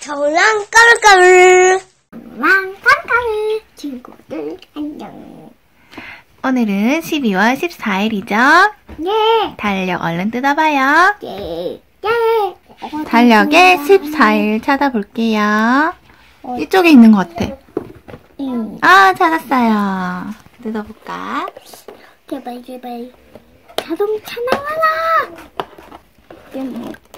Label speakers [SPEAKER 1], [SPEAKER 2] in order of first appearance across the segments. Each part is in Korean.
[SPEAKER 1] 저랑 까르까르 친구들 안녕.
[SPEAKER 2] 오늘은 12월 14일이죠?
[SPEAKER 1] 예.
[SPEAKER 2] 달력 얼른 뜯어봐요.
[SPEAKER 1] 예.
[SPEAKER 2] 달력에 14일 찾아볼게요. 이쪽에 있는 것 같아. 아, 찾았어요. 뜯어볼까?
[SPEAKER 1] 제발. 자동차 나와라.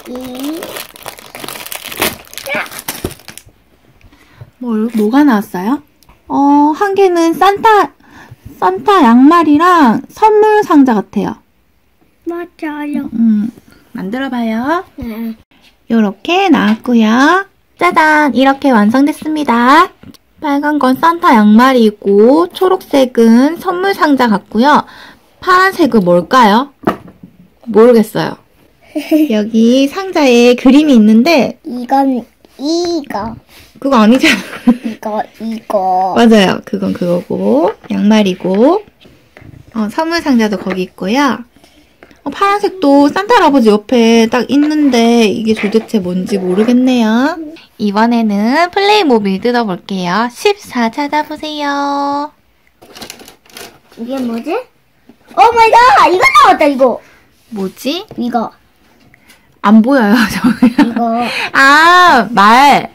[SPEAKER 2] 뭐가 나왔어요? 한 개는 산타 양말이랑 선물 상자 같아요.
[SPEAKER 1] 맞아요.
[SPEAKER 2] 만들어봐요.
[SPEAKER 1] 네.
[SPEAKER 2] 요렇게 나왔고요. 짜잔! 이렇게 완성됐습니다. 빨간 건 산타 양말이고 초록색은 선물 상자 같고요. 파란색은 뭘까요? 모르겠어요. 여기 상자에 그림이 있는데
[SPEAKER 1] 이건 이거.
[SPEAKER 2] 그거 아니잖아.
[SPEAKER 1] 이거.
[SPEAKER 2] 맞아요. 그건 그거고 양말이고 선물 상자도 거기 있고요. 파란색도 산타 할아버지 옆에 딱 있는데 이게 도대체 뭔지 모르겠네요. 이번에는 플레이모빌 뜯어볼게요. 14 찾아보세요.
[SPEAKER 1] 이게 뭐지? 오 마이 갓! 이거 나왔다 이거.
[SPEAKER 2] 뭐지?
[SPEAKER 1] 이거.
[SPEAKER 2] 안 보여요. 저기요.
[SPEAKER 1] 이거.
[SPEAKER 2] 아, 말.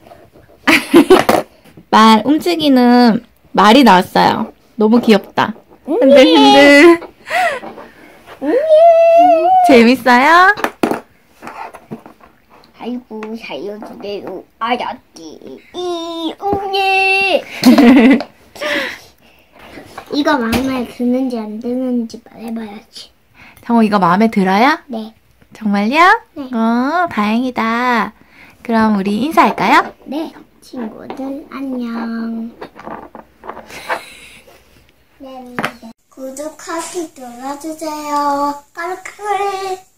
[SPEAKER 2] 말 움직이는 말이 나왔어요. 너무 귀엽다. 흔들흔들. 재밌어요?
[SPEAKER 1] 아이고 살려주세요. 알았지. 예. 이거 마음에 드는지 안 드는지 말해봐야지.
[SPEAKER 2] 정호 이거 마음에 들어요?
[SPEAKER 1] 네.
[SPEAKER 2] 정말요?
[SPEAKER 1] 네.
[SPEAKER 2] 다행이다. 그럼 우리 인사할까요?
[SPEAKER 1] 네. 친구들 안녕. 네. 구독하기 눌러주세요. 까르까르.